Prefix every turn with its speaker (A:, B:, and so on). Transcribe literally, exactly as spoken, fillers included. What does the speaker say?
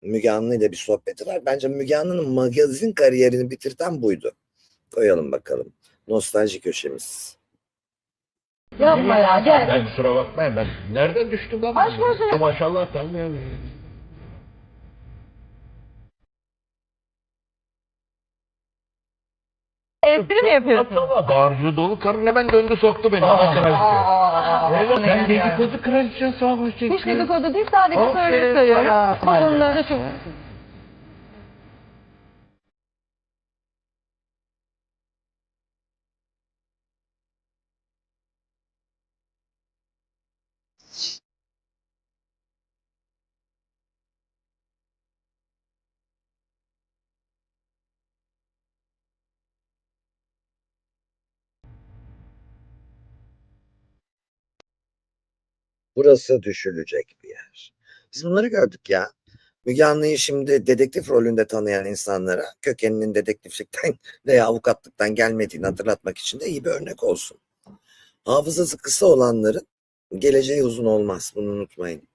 A: Müge Anlı ile bir sohbeti var. Bence Müge Anlı'nın magazin kariyerini bitirten buydu. Koyalım bakalım. Nostalji köşemiz.
B: Yapma ya gel.
C: Ben kusura bakmayın ben nereden düştüm lan?
B: Aşk olsun ya.
C: Maşallah tamam ya.
B: Espri mi yapıyorsun?
C: Maşallah bağırcı dolu karın hemen döndü soktu beni. Oğlum sen dedikodu kraliçesi sağ ol.
B: Hiç dedikodu değil sadece
C: Aferin
B: söyle söylüyorum.
C: sana.
B: Konuları şu.
A: Burası düşülecek bir yer. Biz bunları gördük ya. Müge Anlı'yı şimdi dedektif rolünde tanıyan insanlara kökeninin dedektiflikten veya avukatlıktan gelmediğini hatırlatmak için de iyi bir örnek olsun. Hafızası kısa olanların geleceği uzun olmaz. Bunu unutmayın.